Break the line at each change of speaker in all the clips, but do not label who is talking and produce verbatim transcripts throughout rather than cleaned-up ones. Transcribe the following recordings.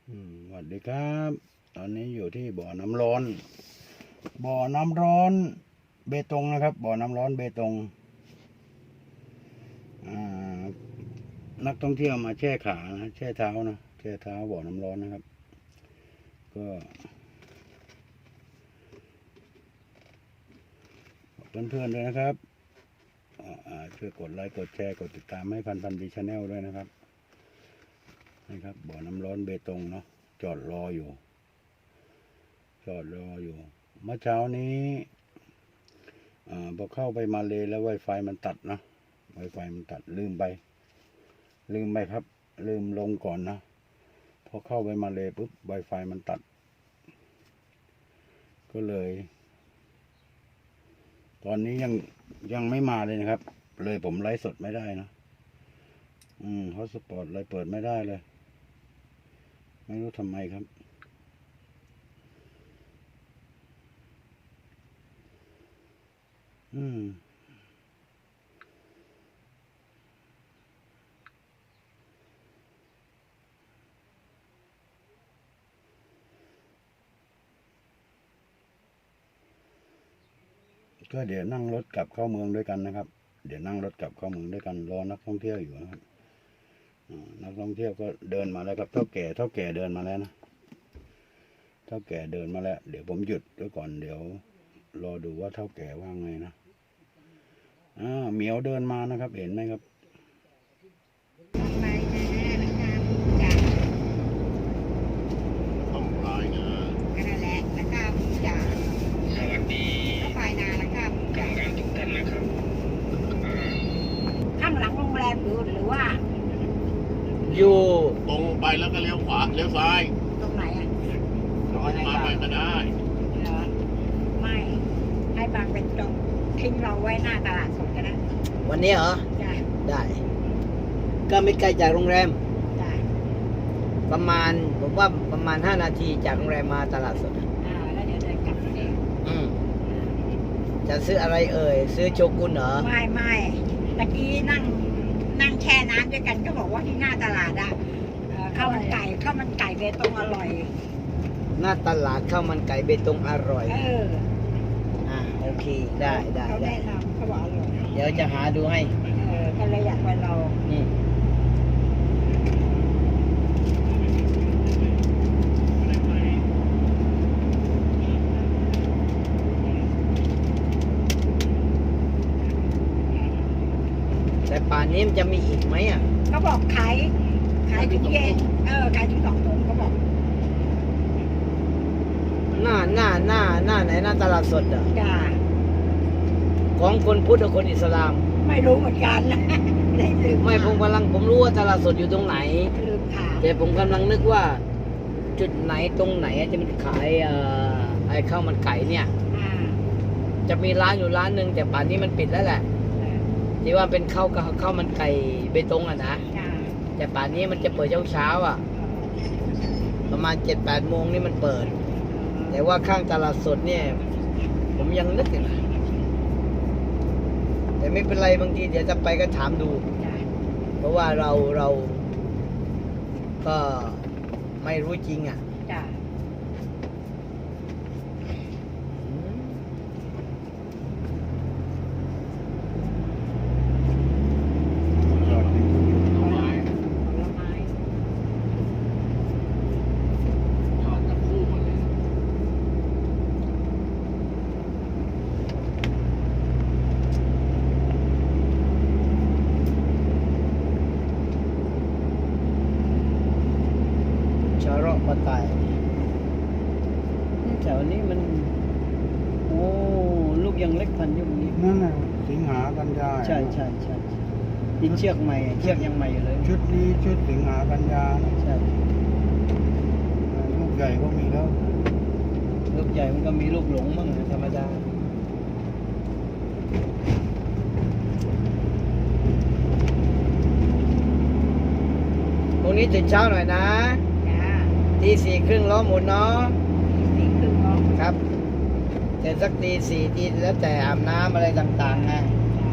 อืมสวัสดีครับ ตอนนี้อยู่ที่บ่อน้ำร้อน บ่อน้ำร้อนเบตงนะครับ บ่อน้ำร้อนเบตงอ่านักท่องเที่ยวมาแช่ขานะแช่เท้านะแช่เท้าบ่อน้ำร้อนนะครับ ก็เพื่อนๆด้วยนะครับอ่าช่วยกดไลค์กดแชร์กดติดตามให้พันพันดีชาแนลด้วยนะครับนะครับ บ่อน้ำร้อนเบตงเนาะจอดรออยู่จอดรออยู่เมื่อเช้านี้อ่าพอเข้าไปมาเลยแล้ว Wi-Fi มันตัดนะ Wi-Fi มันตัดลืมไป ลืมไปครับ ลืมลงก่อนนะพอเข้าไปมาเลยปุ๊บ Wi-Fi มันตัด ก็เลย ตอนนี้ยังยังไม่มาเลยนะครับ เลยผมไลฟ์สดไม่ได้นะอืมฮอตสปอตเลยเปิดไม่ได้เลย ไม่รู้ทำไมครับอืมก็เดี๋ยวนั่งรถกลับเข้าเมืองด้วยกันนะครับ เดี๋ยวนั่งรถกลับเข้าเมืองด้วยกันรอนักท่องเที่ยวอยู่นะครับนักท่องเที่ยวก็เดินมาแล้วครับเท่าแก่เท่าแก่เดินมาแล้วนะเท่าแก่เดินมาแล้วเดี๋ยวผมหยุดไว้ก่อนเดี๋ยวรอดูว่าเท่าแก่ว่าไงนะอ่าเหมียวเดินมานะครับเห็นไหมครับ
ต้องลายนะก็นั่นแหละแล้วก็จ่าสวัสดีก็ไปนาแล้วก็จ่าทุกท่านนะครับข้างหลังโรงแรมอยู่หรือว่า
อยู่
ตรงไปแล้วก็เลี้ยวขวาเลี้ยวซ้าย
ตรงไหนอ่ะ
ตรงมาไปก็ได้
เหรอไม่ให้บางเป็นจงทิ้งเราไว้หน้าตลาดสดก็ได้
วันนี้เหรอ
จ้ะ
ได้ ก็ไม่ไกลจากโรงแรม
จ้ะ
ประมาณผมว่าประมาณห้านาทีจากโรงแรมมาตลาดสดอะ
อ่าแล้วเดี๋ยวเดินกลับเอง
อืมจะซื้ออะไรเอ่ย ซื้อโชกุนเหรอ
ไม่ไม่ตะกี้นั่งนั่งแช่น้ำด้วยกันก็บอกว่าที่หน้าตลาดอ่ะเอ่อข้าวมันไก่ข้าวมันไก่เบตงอร่อย
หน้าตลาดข้าวมันไก่เบตงอร่อย
เออ
อ่าโอเคได้ได้
เขา
ได้
แนะนำเขาบอกอร่อย
เดี๋ยวจะหาดูให้
เออก็เลยอยากไปลอง
อืมแต่ป่านนี้มันจะมีอีกไหมอ่ะ
เขาบอกขายขายถึงเย็นเออขายถึงสองทุ่มเขาบอก
หน้าหน้าหน้าหน้าไหนหน้าตลาดสดอ่ะ
จ้า
ของคนพุทธกับคนอิสลาม
ไม่รู้เหมือนกันนะได้ลืม
ไม่ผมกำลังผมรู้ว่าตลาดสดอยู่ตรงไหน
ลืมถาม
แต่ผมกำลังนึกว่า จุดไหนตรงไหนจะมันขายเอ่อไอ้ข้าวมันไก่เนี่ย
อ่า
จะมีร้านอยู่ร้านหนึ่งแต่ป่านนี้มันปิดแล้วแหละ
เออ
ที่ว่าเป็นข้าวกับข้าวมันไก่เบตงอ่ะนะ
จ้า
แต่ป่านนี้มันจะเปิดเช้าเช้าๆอ่ะ ประมาณเจ็ดแปดโมงนี่มันเปิด แต่ว่าข้างตลาดสดเนี่ย ผมยังนึกอยู่นะแต่ไม่เป็นไรบางทีเดี๋ยวจะไปก็ถามดู
จ้า
เพราะว่าเราเราก็ไม่รู้จริงอ่ะ
จ้า
อืม
จอดในที่อยู่
ผลไม้ผลไม้
จอดกับคู่หมดเลย
ชาระปะไตายแถวนี้มัน โอ้ลูกยังเล็กพันยุคนี้
นั่นน่ะสิงหากันยา
ใช่ใช่ใช่ดินเชือกใหม่เชือกยังใหม่อยู่เลย
ชุดนี้ชุดสิงหากันยานะ
ใช่
ลูกใหญ่ก็มีแล้ว
ลูกใหญ่มันก็มีลูกหลงบ้างธรรมดาพรุ่งนี้ตื่นเช้าหน่อยนะ
จ้า
ตีสี่ครึ่งล้อหมุนเนาะ
สี่ครึ่งเนาะ
ครับแต่สักตีสี่ตีแล้วแต่อาบน้ำอะไรต่างๆไง
จ้า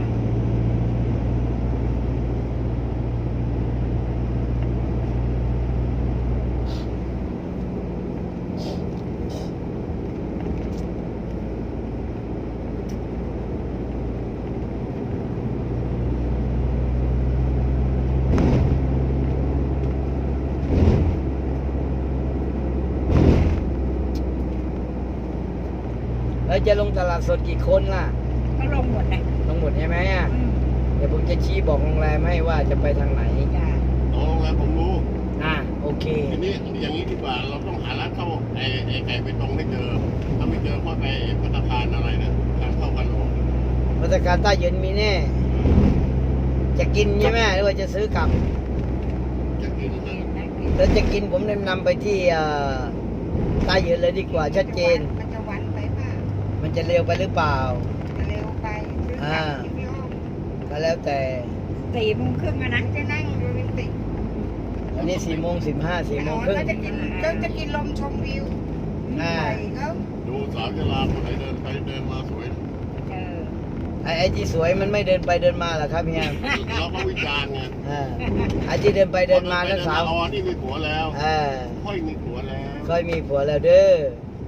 แล้วจะลงตลาดสดกี่คนล่ะ
ก็ลงหมดนะ
ลงหมดใช่ไหมอ่ะ
อืม
เดี๋ยวผมจะชี้บอกโรงแรมให้ว่าจะไปทางไหน
จ้ะ
ตรงแล้วผมรู้
อ่ะโอเค
ทีนี้อย่างนี้ดีกว่าเราต้องหาร้านเข้าไอ้ไอ้ไก่ไปตรงให้เจอถ้าไม่เจอก็ไปพัตตาคารอะไรนะทางเข้ากันหลวง
มาตรการใต้เย็นมีแน่ จะกินใช่ไหมหรือว่าจะซื้อกลับ
จะกินนะ
ถ้าจะกินผมแนะนำไปที่เอ่อใต้เย็นเลยดีกว่าชัดเจน
มันจะวันไปป่ะ
มันจะเร็วไปหรือเปล่า
จะเร็วไปซื้อกลับที่พี่อ้อม
ก็แล้วแต่
สี่โมงครึ่งอะนะจะนั่งโรแมนติก
อันนี้สี่โมงสิบห้าสี่โมงครึ่ง
เขาจะกินเขาจะกินลมชมวิว
อ่า
ไปเขา
ดูสาวจะลาคนไหนเดินไปเดินมาสวย
เออ
ไอ้ไอ้ที่สวยมันไม่เดินไปเดินมาเหรอครับเฮีย
เราก็วิจารณ์ไง
อ่าไอ้ที่เดินไปเดินมาแล้วสาว
อ๋อนี่มีผัวแล้ว
เออ
ค่อยมีผัวแล้ว
ค่อยมีผัวแล้วเด้อ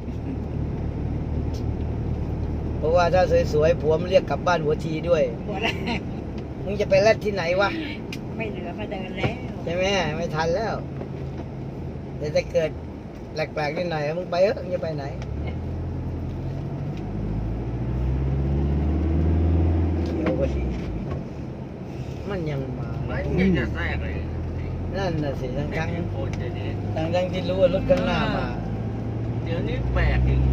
เพราะว่าถ้าสวยๆผัวมันเรียกกลับบ้านหัวทีด้วย
หัวแรก
มึงจะไปแลดที่ไหนวะ
ไม่เหลือมาเดินแล้ว
ใช่ไหมไม่ทันแล้วแต่ถ้าเกิดแปลกๆนิดหน่อยมึงไปเถอะมึงจะไปไหนเขียวก็ดีมันยังมา
ไม่ยังจะแทรกเลย
นั่นน่ะสิทั้ง
แข่
ทั้ง
งโคนเดี๋ยวนี้
ทั้งทั้งที่รู้ว่ารถข้างหน้ามา
เดี๋ยวนี้แปลกอีก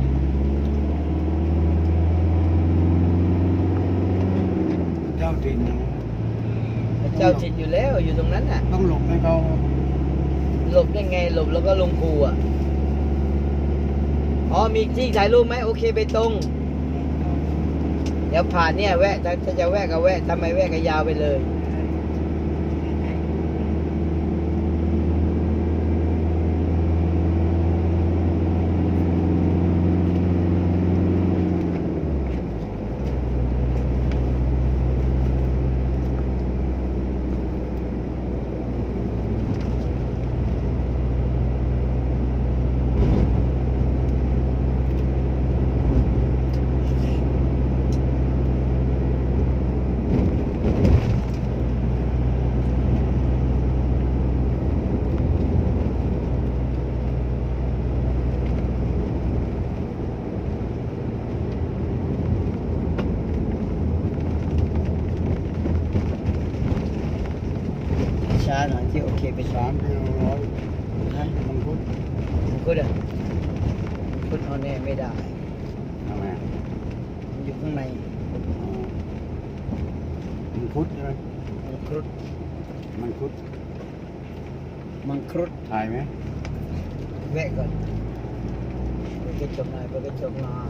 เจ้าถิ่นนะ
เจ้าถิ่นอยู่แล้วอยู่ตรงนั้นน่ะ
ต้องหลบให้เขา
หลบได้ไงหลบแล้วก็ลงคูอ่ะอ๋อมีที่ถ่ายรูปไหมโอเคไปตรง เดี๋ยวผ่านเนี่ยแวะถ้าถ้าจะแวะก็แวะทำไมแวะก็ยาวไปเลย ช้าหน่อยที่โอเคไป
สามกิโลร้อย
ฮะ
มังคุด
คุณอ่ะคุณเอาแน่ไม่ได้
ทำไม
มันอยู่ข้างใน
อ๋อมังคุดใช่ไหม
มังครุด
มังคุด
มังครุด
ถ่ายไหม
แวะก่อนเปิดกระจกหน่อยเปิดกระจกหน่อย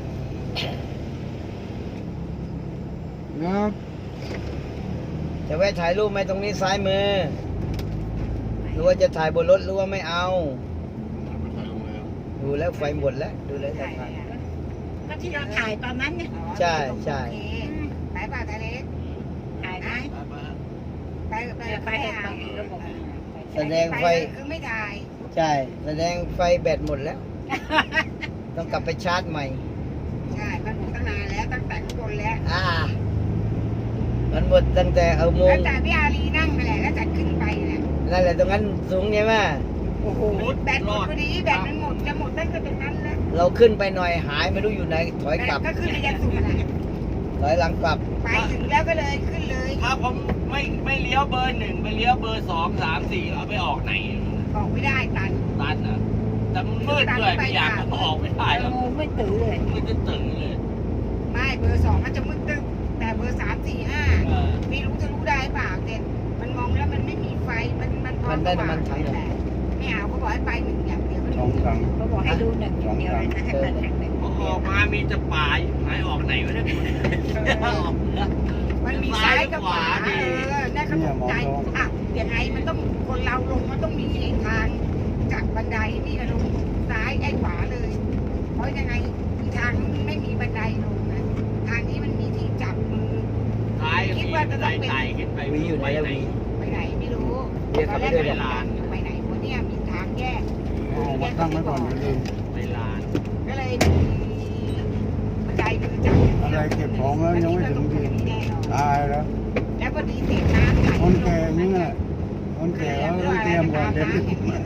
ครับ
จะแวะถ่ายรูปไหมตรงนี้ซ้ายมือ หรือว่าจะถ่ายบนรถหรือว่าไม่เอา
ไปถ่ายโรงแรม
ดูแล้วไฟหมดแล้ว ดูแล้วจะถ่าย
ก็ที่เราถ่ายตอนนั้นเนี่ย
ใช่ใช่
ไปป่ะทะเลถ่ายไหม
ไปมา
ไปไปไปไประบบ
แสดงไฟ
คือไม่ถ่าย
ใช่ แสดงไฟแบตหมดแล้ว ต้องกลับไปชาร์จใหม่
ใช่มันหมดตั้งนานแล้วตั้งแต่ข้างบนแล้ว
อ่า มันหมดตั้งแต่เอาโม
ตั้
ง
งแต่พี่อารีนั่งมาแหละแล้วจัดขึ้นไปแหละ
นั่นแหละตรงนั้นสูงใช่ไหม
โอ้โหแบตหมดพอดีแบตมันหมดจะหมดตั้งแต่ตรงนั้นแล้ว
เราขึ้นไปหน่อยหายไม่รู้อยู่ไหน ถอยกลับ
ก็ขึ้นไปยันสุดแหละ
ถอยหลังกลับ
ไปถึงแล้วก็เลยขึ้นเลย
ถ้าผมไม่ไม่เลี้ยวเบอร์หนึ่งไปเลี้ยวเบอร์สองสามสี่เอาไปออกไหน
ออกไม่ได้ตัน
ตันอ่ะแต่มันมืดด้วยไม่อยากมันออกไม่ได้หรอก
ไม่ตื่นเลย
มันจะตื่นเลย
ไม่เบอร์สองมันจะมืดตึ๊บแต่เบอร์สามสี่ห้า
เออ
ไม่รู้จะรู้ได้เปล่าเด็ดมันมองแล้วมันไม่มีไฟมันมันพอ
มันได้น้ำมันถัง
แหละไม่เอาเขาบอกให้ไปหนึ่งอย่างเดียว
สองครั้ง
เขาบอกให้ดูหนึ่งอย่างเดียวเลยนะให้เปิดแข่งหนึ่ง
พอออกมามีแต่ป่าหายออกไหนวะเนี่ยออกเหนือ
มันมีซ้ายกับขวาเออน่าขนใจอ่ะยังไงมันต้องคนเราลงมันต้องมีทางจากบันไดนี่ลงซ้ายไอ้ขวาเลย เพราะยังไงอีกทางไม่มีบันไดลงนะทางนี้มันมีที่จับมือ
ท้ายมีไต่ไต่ขึ้นไป
วีอยู่ไหนอะวี
ไปไหนไม่รู้
เรียกเขาไปด้วย
ต
เล
อย นแรกไปไหนวะเนี่ยมีทางแยก
อ๋อวัดตั้งไว้ก่อนอย่าลืม
ไปลาน
ก็เลยมีบันไดมือจับ
อะไรเก็บของแล้วยังไม่ถึงที่
แน่นอน
ตายแล้ว
แล้วพอดีเศษน้ำไหล
คนแก่อย่างนี้แหละคนแก่เขาต้องเตรียมก่อนเดี๋ยว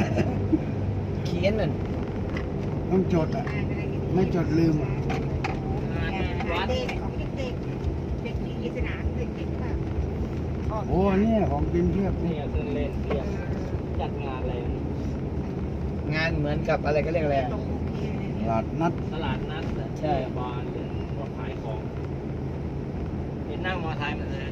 เขียนนั่น
ต้องจดอ่ะ ไม่จดลืมอ่ะ
โอ้เด็กของเด็กเด็กเด็กที่สนามเด็กเด็กมาก
โอ้เนี่ยของกินเพียบ
นี่เครื่องเล่นเพียบจัดงานอะไร
งานเหมือนกับอะไรก็เรียกอะไรอะ
ตรงโอเคเลย
ต
เนี่ย
ลาดนัด
ตลาดนัดอะ
ใช่
บานเลยพวกขายของเห็นนั่งมอไซค์มาเลย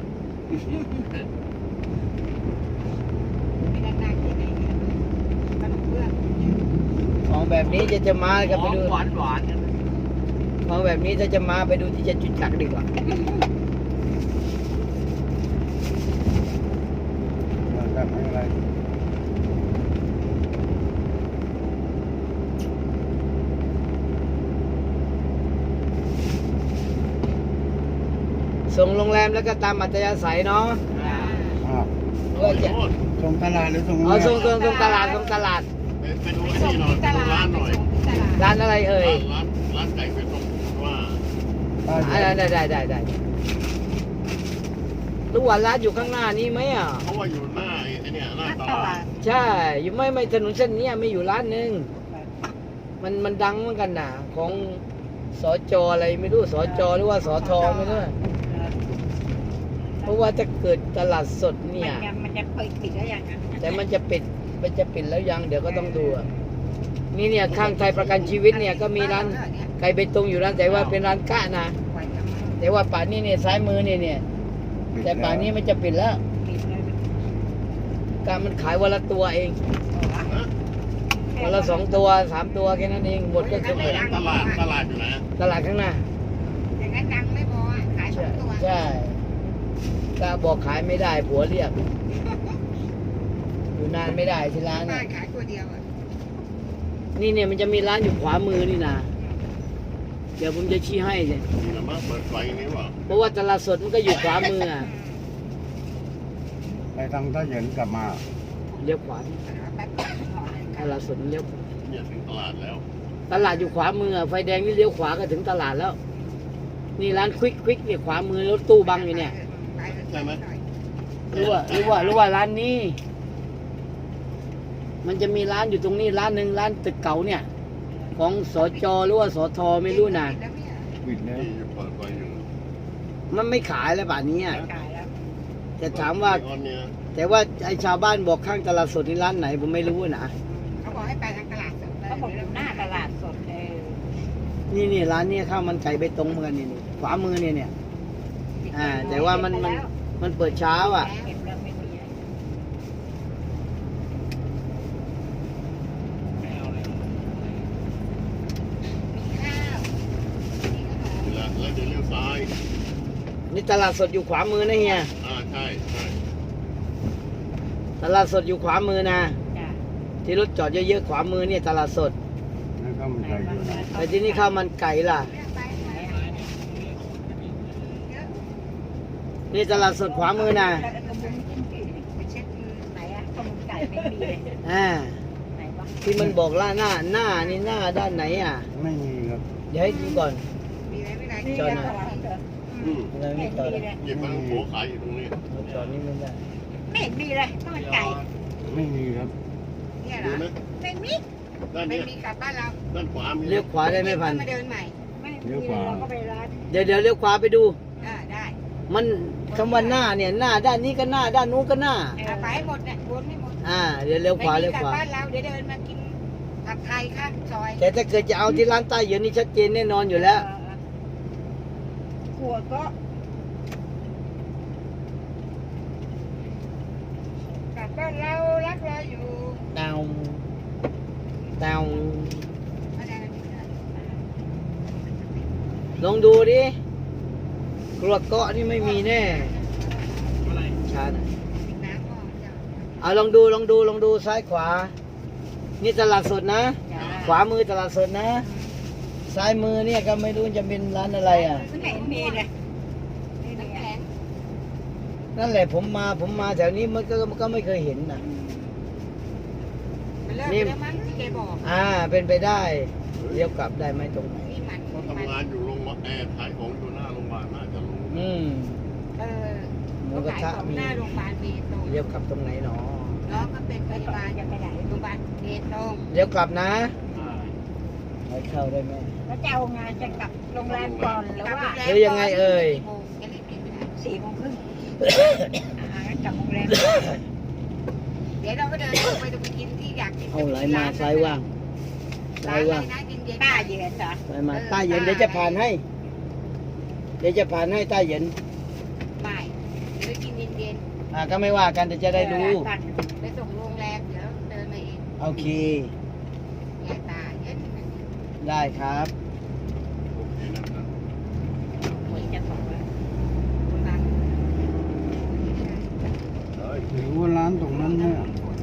ไม่ได้นั่งที่ไหนเนี่ยขนมเบื้อง
ของแบบนี้จะจะมาก็
ข
ไป
อง
ดู
หวานหวานๆกัน
ของแบบนี้ถ้าจะมาไปดูที่จะจุดจักรดีกว่า
แบบไม่อะไร
ส่งโรงแรมแล้วก็ตามอัธยาศัยเนาะ
อ้าว
ก็จะ
โน่น
ส่งตลาดหรือส่ง
เอาส่งส่งส่งตลาดส่งตลาด
ไปไปดู
ไป
ไอ้
ส่ง
นี่หน่อย
ที่
ไป
ต
ดู
ลา
ร้า
ด
นหน่อย
ไปส่งที่ตลาด
ร้านอะไรเอ่ย
ร้านร้านไก่เป็ดตรงว่า
อ่าได้ได้ได้ได้รู้ว่าร้านอยู่ข้างหน้านี้ไหมอ่ะ
เพราะว่าอยู่หน้าไอ้เนี่ยหน้าต
ต
ลา
ลา
ด
ด
ใช่ อยู่ไม่ไม่ถนนเส้นเนี้ยไม่อยู่ร้านหนึ่งมันมันดังเหมือนกันน่ะ ของสจอะไรไม่รู้สจหรือว่าสทไม่รู้เพราะว่าถ้าเกิดตลาดสดเนี่ย
มันจะเปิดปิดแล้วอย่างนั้น
แต่มันจะปิดมันจะปิดแล้วยังเดี๋ยวก็ต้องดูอะนี่เนี่ยข้างไทยประกันชีวิตเนี่ยก็มีร้านไก่เบตงอยู่ร้านแต่ว่าเป็นร้านกะนะแต่ว่าป่านนี้เนี่ยซ้ายมือเนี่ยเนี่ยแต่ป่านนี้มันจะปิดแล้ว
ปิดเลย
การมันขายวันละตัวเองวันละสองตัวสามตัวแค่นั้นเองหมดก็คือหมด
ตลาดตลาดอยู่ไหน
ตลาดข้างหน้า
อย่างนั้นดังไม่พออ่ะขายสอ
ใช่
งตัว
ใช่ก็บอกขายไม่ได้ผัวเรียกอยู่นานไม่ได้ที่ร้าน
บ้า
น่ะ
นขายตัวเดียวอ่ะ
นี่เนี่ยมันจะมีร้านอยู่ขวามือนี่นะเดี๋ยวผมจะชี้ให้เนี่ย
นี่นะมาเปิดไฟนี่ว่า
เพราะว่าตลาดสดมันก็อยู่ขวามืออ่ะ
ไปทางท่าเหยินกลับมา
เลี้ยวขวา
แป๊บๆห่อเลย
ต
ค่ะ
ลาดสดมันเลี้ยว
เนี่ยถึงตลาดแล้ว
ตลาดอยู่ขวามืออะไฟแดงนี่เลี้ยวขวาก็ถึงตลาดแล้ว นี่ร้านควิกควิกเนี่ยขวามือรถตู้บังอยู่เนี่ย
ใช่ไหม
หรือว่าหรือว่าหรือว่าร้านนี้ มันจะมีร้านอยู่ตรงนี้ร้านหนึ่งร้านตึกเก่าเนี่ย ของสจหรือว่าสทไม่รู้นะ
ปิดแล้ว
นี่อยู่เปิดไฟอยู่
มันไม่ขายแล้วป่านนี้อะ
ขายแล้ว
แต่ถามว่า
ตอนเนี้ย
แต่ว่าไอชาวบ้านบอกข้างตลาดสดนี่ร้านไหนผมไม่รู้นะ
เขาบอกให้ไปทางตลาดสดเขาบอกอยู่หน้าตลาดสดเลย
นี่นี่ร้านเนี้ข้าวมันไก่เบตงเหมือนกันนี่นี่ขวามือเนี่ยเนี่ยอ่า แต่ว่ามันมันมันเปิดเช้าอ่ะ
เก็บแล้วไม่มี
ไม่เอาเลย
มีข้าวมีขนม
แล้วแล้วเดี๋ยวเลี้ยวซ้าย
นี่ตลาดสดอยู่ขวามือนะเฮีย
อ่าใช่ใช่
ตลาดสดอยู่ขวามือนะ
จ้ะ
ที่รถจอดเยอะๆขวามือเนี่ยตลาดสด
แล้วก็มันใจอยู่นะ
แต่ที่นี่ข้าวมันไก่ล่ะ
เลือกไปไหนอ่ะเยอะ
นี่ตลาดสดขวามือนะ
แล้วก็มุมจิ้มจีไปเช็ดมือไหนอ่ะข้าวมันไก่ไม่มีเลย
อ่า
ไหนวะ
ที่มันบอกล่าหน้าหน้านี่หน้าด้านไหนอ่ะ
ไม่มีครับ
เดี๋ยวให้ดูก่อน
มีไหมไม่ได้
จอดหน่อย
อืม
อะไรไม่จอดอะ
หยิบมาโผขายอยู่ตรงนี้
เราจอดนี่ไม่ได้
ไม่เห็นมีเลยข้าวมันไก่
ไม่มีครับ
เนี่ยเหร
ดู
อ
นะ
ไม่มี
ด้าน
ไม่
เนี้ย
มีกลับบ้านเรา
ด้านขวามี
เลี้ยวขวาได้ไหมพัน
มาเดินใหม่ไม่
เลี้ยวขวา
เราก็ไปร้าน
เดี๋ยวเดี๋ยวเลี้ยวขวาไปดู
อ่าได้
มันคำว่าหน้าเนี่ยหน้าด้านนี้ก็หน้าด้านนู้นก็หน้า
เอาไปให้หมดเนี่ยวนให้หมด
อ่าเดี๋ยวเลี้ยวขวา
ไม่
เลี้
มี
ยว
กลับ
ขวา
บ้านเราเดี๋ยวเดินมากินผัดไทยข้างซอย
แต่ถ้าเกิดจะเอาที่ร้านใต้เหยืนนี่ชัดเจนแน่นอนอยู่แล้ว
กลัวก็กลับบ้านเรารักเราอยู่
ดาวดาว
ไม่ได้ไม่ได้
ลองดูดิกรวดเกาะนี่ไม่มีแน่
อะไร
ชานะ
ปิดน้ำก่อนจ้ะ
เอาลองดูลองดูลองดูซ้ายขวา นี่ตลาดสดนะ
จ้ะ
ขวามือตลาดสดนะ ซ้ายมือเนี่ยก็ไม่รู้จะเป็นร้านอะไรอ่ะ
ไม่เห็นมีเลยน้ำแข็ง
นั่นแหละผมมาผมมาแถวนี้มันก็มันก็ไม่เคยเห็นนะ
มันเลิก
นี่
ไปแล้วมั้งที่แกบอก
อ่าเป็นไปได้เลี้ยวกลับได้ไหมตรงไหน
นี่มัน
เขา
มัน
ทำงานอยู่โรงพยาบาลแอร์ขายของอยู่หน้าโรงพยาบาลน่าจะรู้
อืม
เออ
หมูกระทะ
ขายของ
มี
หน้าโรงพยาบาลเบตง
เลี้ยวกลับตรงไหนหนอ
น้องก็เป็นพยาบาลจะไปไหนโรงพยาบาลเบตง
เลี้ยวกลับนะ
อ่า
ให้เข้าได้ไหม
เ
แล้วจะเอางานจะกลับโรงแรมก่อนหรือว่า
หรือยังไงเอ่ย
กี่โมงจะรีบกินไปไหน
สี่โมงครึ่งอ่างั้นกลับโรงแรมก่อน
เดี๋ยวเราก็เดินลงไปจะไปกินที่อยากกิน
เอาไหลมาซ้ายว่างซ้า
ร้าย นอะไร
ว่าง
นะเย็นๆ
ป้าเย็นเหรอ
ซ้ายมาใต้เย็นเดี๋ยวจะผ่านให้ เดี๋ยวจะผ่านให้ใต้เย็น
ไม่เดี๋ยวกินเย็น
อ่าก็ไม่ว่ากันเดี๋ยวจะได้รู้
ๆไปส่งโรงแรมเดี๋ยวเดินมาเอง
โอเค
แย่ตาเย็น
ได้ครับ
โอเคนะครับ
หวยจะบอกว่า
ร้าน
เฮ้ย
หรือว่าร้านตรงนั้นเนี่ย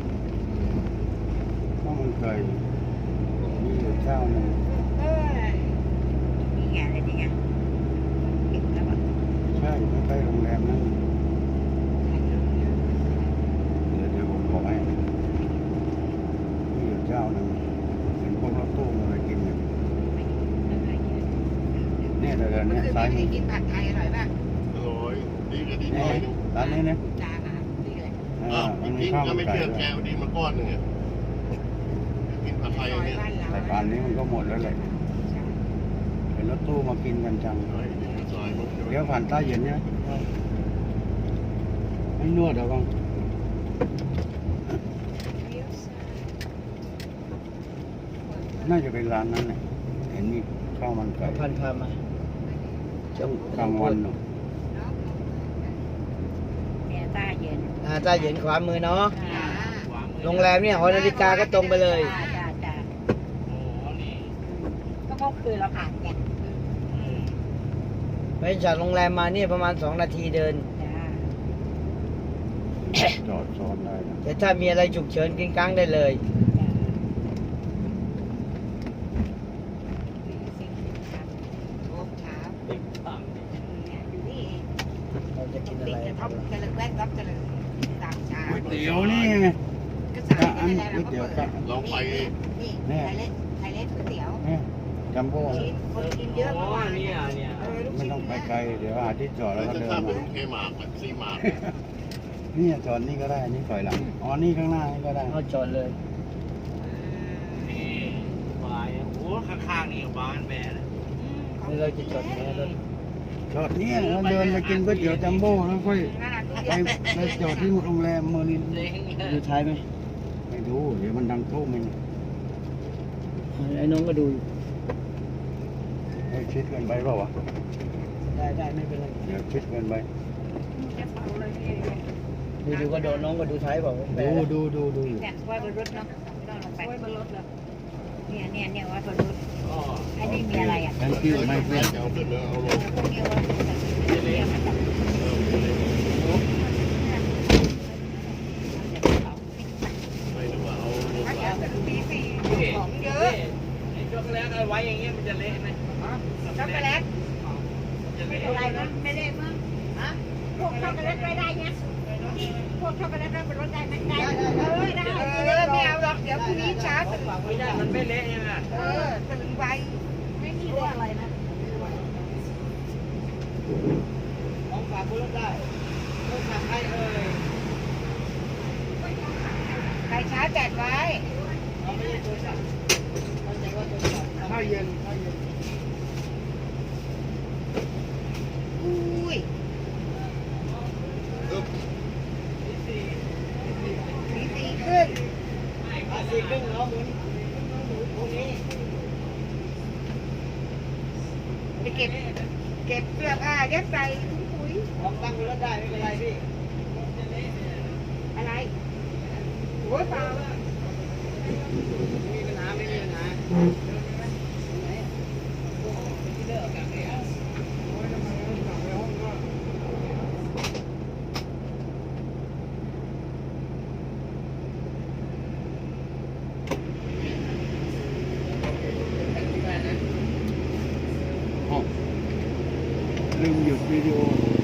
ข้าวมันไก่มีอยู่เจ้าหนึ่ง
เอ้ย
นี่ไงอะไรนี่ไงเก็บแล้วอ่ะ
ใช่ใกล้ๆโรงแรมนั่นเดี๋ยวเดี๋ยวผมบอกให้มีอยู่เจ้าหนึ่งเห็นพวกรถตู้มากินอยู่เนี่ยเดี๋ยวๆ
เมื่
เนี่
อย คืน
ซ้าย
ไม่
มื
ได้
อ
กินผัดไทยอร่อยป่ะ
อร่อยดีก็ดีห
เนี่
น่อย
ย
นึง
ร้านนี้เนี่ย
จ้าหาดีเลย
อ่า
อ้าว
มัน
จ
มี
ริง
ข้าว
ๆก็
มัน
ไม่
ไก่
เชื่อ
ด้ว
แก
ย
เอาดีมาก้อนหนึ่งอะกินผัดไทย
ซอย
เนี่ย
บ้านเรา
แต่ป่านนี้มันก็หมดแล้วแหละเห็นรถตู้มากินกันจัง
เฮ้ยดีซอยมัน
เดี๋ยวผ่านใต้เย็นเนี่ยไม่นวดเหรอบ้างน่าจะเป็นร้านนั้นเนี่ยเห็นมีข้าวมันไก่
พันพามาจง
กลางวันเนาะ
เนี่ยป้าเย็น
อ่าใต้เย็นขวามือเนาะ
อ่า
โรงแรมเนี่ยหอนาฬิกาก็ตรงไปเลย
จ้าจ้าจ้า
โอ้นี่
ก็เพราะคือเราผ่านไงอืม
ไปจากโรงแรมมาเนี่ยประมาณสองนาทีเดิน
จ้า
จอดซ้อนได้นะ
แต่ถ้ามีอะไรฉุกเฉินกินกลางได้เลย
จ้า
โอ้เช้า
ติ๊กตัง
เนี่ยอยู่นี่เอง
เราจะกินอะ
ติด
ไร
กระท่อมเจริญแวกรับเจริญตามเช้า
ก๋วยเตี๋ยวนี่ไง
ก็สายนี่แหละเราก็เปิด
เราไป
นี่
เนี่ย
ไทยเล็กไทยเล็กก๋วยเตี๋ยว
เนี่ยจัมโบ้
ชิ้นคนกินเยอะ
โอ้
เมื่อวาน
เนี่ยเนี่ย
เออลูก
ไม่
ชิ้น
ต้องไปไกลเดี๋ยวหาที่จอดแล้
แล้ว ว
ก็
จะ
เดิน
ทราบ
มา
เป็นเคมาร์กซีมาร์ก
เนี่ยจอดนี่ก็ได้นี่ถอยหลังอ๋อนี่ข้างหน้านี่ก็ได้
เอาจอดเลย
นี่บายโอ้ข้างๆนี่ก็บ้านแม่เลย
นี่เราจะจอดแม่รถ
จอดเนี่ยแล้วเดินไปกินก๋วยเตี๋ยวจัมโบ้แล้วค่อย
น่ารัก
ไปไปจอดที่โรงแรมเมอร์ลิน
เล้ง
ดูท้ายไหม
ไม่รู้เดี๋ยวมันดังโต้มัน
ไอ้น้องก็ดูอยู่
ให้ชิดเกินไปเปล่าวะ
ได้ได้ไม่เป็นไร
เดี๋ยวชิดเกินไป
ดูดูก็โดนน้องก็ดูท้ายบอกว่าแปล
ดูดูดูดูอยู่
เนี่ยไว้บนรถเนาะไม่ต้องลงไปไว้บนรถเลยเนี่ยเนี่ยเนี่ยไว้บนรถ
อ๋อ
ไอ้นี่มีอะไรอ่ะ
thank you my friend
จะเอาขึ้นแล้วเอาลง
พวกนี้ไว้บนรถเนี่ยมันจะ
ไม่รู้ว่าเอาลง
ถ้า
มา
อยากจะตีสี่
พี่
ของเยอะ
ไอ้ช็อกโกแลตเอาไว้อย่างเงี้ยมันจะเละไหม
ช็อกโกแลต
จะ
ไม่
เละ
เป็นไรมั้งไม่ได้มั้งฮะพวกช็อกโกแลตไว้ได้เนี่ยพวกช็อกโกแลตไว้บนรถได้ไหมได้เออได้
เออไม่เอาหรอกเดี๋ยวพรุ่งนี้เช้าตื่น
ไม่ได้มันไม่เละใช่ไหม
เออตื่นไว
ไม่มีเรื่องอะไรนะ
ของฝากบนรถได้รถฝากใครเอ่ย
ใครช้าแจกไว้
เราไม่ใช่โทรศัพท์เราจะว่าโทรศัพท์ข้าวเย็นข้าวเย็น
อุ้ย
อึ๊บ
ตีสี่ขึ้น
อ่ะสี่ครึ่งเนาะหมุนหมุนตรงนี้
ไปเก็บเก็บเสื้อผ้ายัดใส่ถุงปุ๋ย
ของตั้งบนรถได้ไม่เป็นไรพี่
อะไรโอ้ยเปล่า
ไม่มีปัญหาไม่มีปัญหา
อ๋อลืมหยุดวิดีโอ